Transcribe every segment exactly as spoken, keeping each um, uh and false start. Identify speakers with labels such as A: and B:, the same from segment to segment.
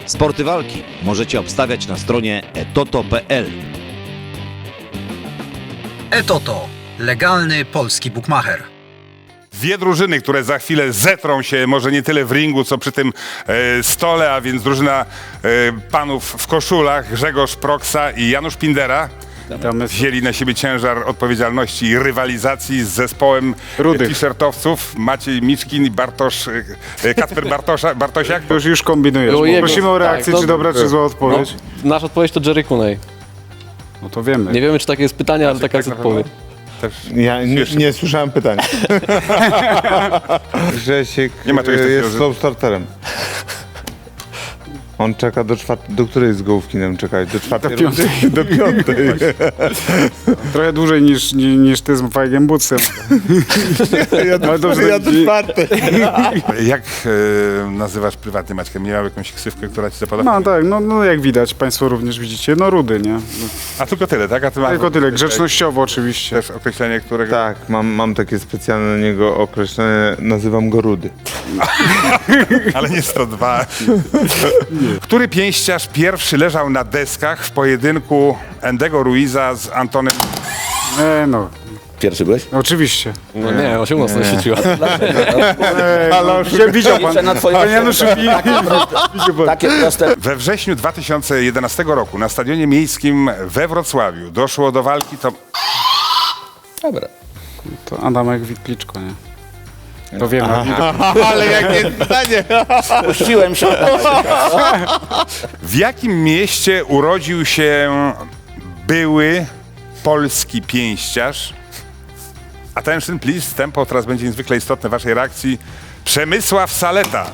A: Sporty walki możecie obstawiać na stronie etoto kropka pe el.
B: Etoto. Legalny polski bukmacher.
C: Dwie drużyny, które za chwilę zetrą się może nie tyle w ringu, co przy tym e, stole, a więc drużyna e, panów w koszulach, Grzegorz Proksa i Janusz Pindera, wzięli na siebie ciężar odpowiedzialności i rywalizacji z zespołem
D: Rudych.
C: t-shirtowców Maciej Miczkin i Bartosz, e, Kacper Bartosza, Bartosiak.
D: To już, już kombinujesz.
E: Było jego-
D: Prosimy o reakcję,
E: tak,
D: czy
E: no-
D: dobra, czy zła odpowiedź.
E: No, nasza odpowiedź to Jerry Cooney.
D: No to wiemy.
E: Nie wiemy, czy takie jest pytanie, ale taka jest
C: tak na pewno?
E: odpowiedź.
C: Też
F: Ja nie, nie słyszałem pytania. Grzesiek
C: Nie ma czegoś
F: e,
C: takiego,
F: jest
C: że-
F: slow starterem. On czeka do czwartej. Do której z gołówkinem czekać? Do czwartej?
D: Do piątej.
F: Do piątej.
D: Trochę dłużej niż, ni- niż ty z Fajgiem Bucem.
F: Ja do,
D: Ale dobrze,
F: ja do
D: że-
F: czwartej.
C: Jak e, nazywasz prywatnie Maćka? Miał jakąś ksywkę, która ci zapada?
D: No tak, no, no jak widać, państwo również widzicie, no rudy, nie? No,
C: A tylko tyle, tak? A ty masz
D: tylko tyle, grzecznościowo oczywiście.
C: też określenie, którego...
F: Tak, mam, mam takie specjalne na niego określenie, nazywam go Rudy.
C: Ale nie sto dwa. Który pięściarz pierwszy leżał na deskach w pojedynku Endego Ruiza z Antonem?
D: E, no,
G: Pierwszy byłeś?
D: oczywiście.
E: No nie, on się mocno świeciła.
D: E, ale widział pan,
G: Liczę na twoją
D: panie Januszu, wi- widział pan.
G: Takie proste.
C: We wrześniu dwa tysiące jedenastego roku na Stadionie Miejskim we Wrocławiu doszło do walki to...
G: Dobra.
D: To Adamek Witliczko, nie? To wiemy.
F: Ale jakie pytanie!
G: Puściłem się.
C: W jakim mieście urodził się były polski pięściarz? Attention please, tempo teraz będzie niezwykle istotne w waszej reakcji. Przemysław Saleta.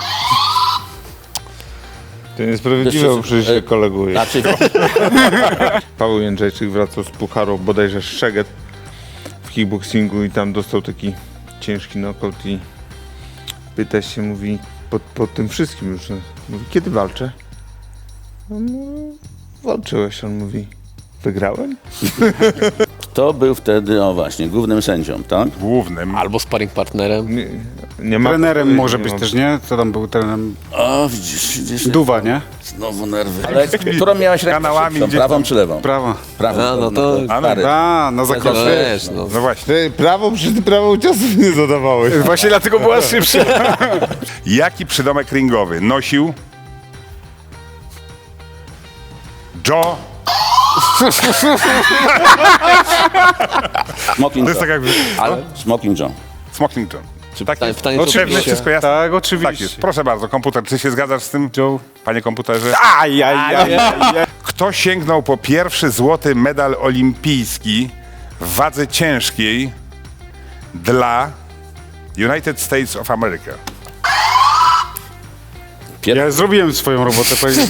F: To niesprawiedliwe,
G: Jeszcze-
F: bo przecież się koleguje.
G: Znaczy,
F: Paweł Jędrzejczyk wracał z pucharu bodajże Szeged w kickboxingu i tam dostał taki ciężki knockout i pyta się, mówi, po, po tym wszystkim już, mówi, kiedy walczę? No, no, walczyłeś, on mówi, wygrałem?
G: kto był wtedy, o właśnie, głównym sędzią, tak?
C: Głównym.
E: Albo sparring partnerem.
F: Nie, nie ma
D: Trenerem
F: odpowiedzi,
D: może
F: nie
D: być
F: ma-
D: też, nie? Co tam był trenerem?
G: O, widzisz, widzisz.
D: Duwa, nie?
G: Znowu nerwy. Ale którą miałeś rękę
C: Kanałami
G: szybszą,
C: gdzieś
G: prawą
C: tam.
G: czy lewą?
D: Prawa.
G: Prawą.
E: A, no to-
G: stary.
D: A, na
E: No
D: zakresie.
E: wiesz, no.
C: No właśnie.
F: Ty prawo, przecież ty prawo ciosów nie zadawałeś.
D: Właśnie dlatego była szybsza.
C: Jaki przydomek ringowy nosił Joe?
G: Smoking
C: To jest tak
G: Joe.
C: jak
G: Ale Smoking Joe.
C: Smoking John. Czy tak
E: pytanie-
C: jest?
E: pytanie, co
C: Oczywiście.
E: oczywiście.
C: Wszystko jasne?
D: Tak,
C: Tak jest.
D: oczywiście.
C: Proszę bardzo, komputer, czy się zgadzasz z tym,
D: Joe.
C: panie komputerze?
D: Aj, aj, aj, aj.
C: Kto sięgnął po pierwszy złoty medal olimpijski w wadze ciężkiej dla United States of America?
D: Ja zrobiłem swoją robotę. powiem.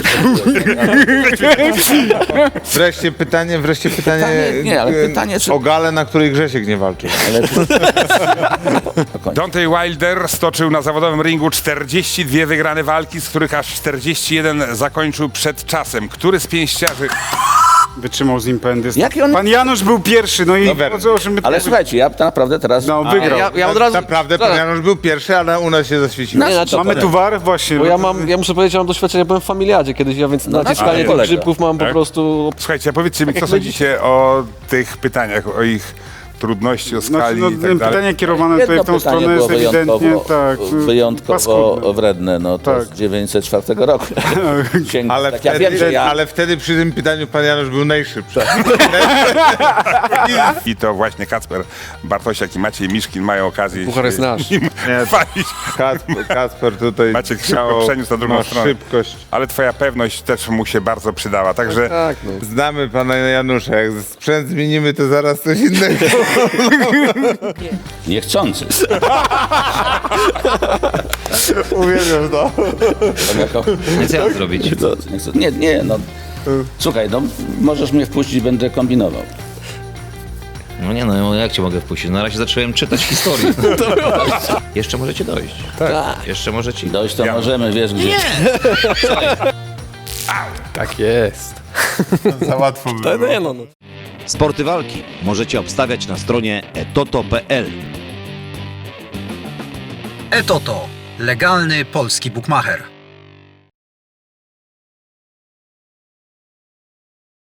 F: Wreszcie pytanie, wreszcie pytanie,
G: Pytanie- nie, ale
F: e,
G: pytanie, czy-
F: o galę, na której Grzesiek nie walczył.
G: Ale...
C: Deontay Wilder stoczył na zawodowym ringu czterdzieści dwie wygrane walki, z których aż czterdzieści jeden zakończył przed czasem. Który z pięściarzy...
D: Wytrzymał z nim pędy.
G: Jaki on-
D: Pan Janusz był pierwszy, no i
F: Dobra.
D: o co, o czym my
G: Ale słuchajcie, ja naprawdę teraz...
D: No, wygrał.
E: Ja, ja od razu...
F: Naprawdę, pan Janusz był pierwszy, ale u nas się zaświeciło.
E: Nie, znaczy,
D: Mamy tu war właśnie.
E: bo ja
D: no,
E: mam, ja muszę powiedzieć, że mam doświadczenie, byłem w familiadzie kiedyś, ja więc
G: No,
E: naciskanie
G: ale
E: tych
G: kolega.
E: grzybków mam po
C: Tak?
E: prostu...
C: Słuchajcie, a powiedzcie mi,
E: Tak
C: co
E: jak my
C: sądzicie o tych pytaniach, o ich trudności, o
D: Znaczy,
C: skali
D: no,
C: i tak dalej?
D: pytanie kierowane
G: Jedno
D: tutaj w tą
G: pytanie
D: stronę
G: było
D: jest ewidentnie tak.
G: wyjątkowo
D: paskudne.
G: wredne, no to
D: Tak.
G: z dziewięćset czwartego roku. Sięg...
F: Ale,
G: tak
F: wtedy,
G: ja wiem, że ja...
F: ale wtedy przy tym pytaniu pan Janusz był najszybszy.
C: I to właśnie Kacper Bartosiak i Maciej Miszkin mają okazję
E: Puchar jest
C: się
E: nasz.
C: nim
F: Nie.
C: chwalić.
F: Kacper, Kacper tutaj
C: Maciek szybko
F: miał-
C: przeniósł na drugą
F: ma
C: stronę.
F: szybkość.
C: Ale twoja pewność też mu się bardzo przydała, także...
E: Tak, no.
F: Znamy pana Janusza, jak sprzęt zmienimy, to zaraz coś innego.
G: Niechcący.
F: Uwierzę w to.
G: On jako...
H: Nie co ja mam zrobić?
G: Niechcący, niechcący. Nie, nie, no. Słuchaj, no możesz mnie wpuścić, będę kombinował.
H: No nie no, jak cię mogę wpuścić? Na razie zacząłem czytać historię. Jeszcze możecie dojść. Tak. Jeszcze możecie.
G: Dojść to możemy, wiesz gdzie.
E: Tak jest.
F: Za łatwo było.
E: No, nie, no, no.
A: Sporty walki możecie obstawiać na stronie etoto kropka pe el.
B: Etoto. Legalny polski bukmacher.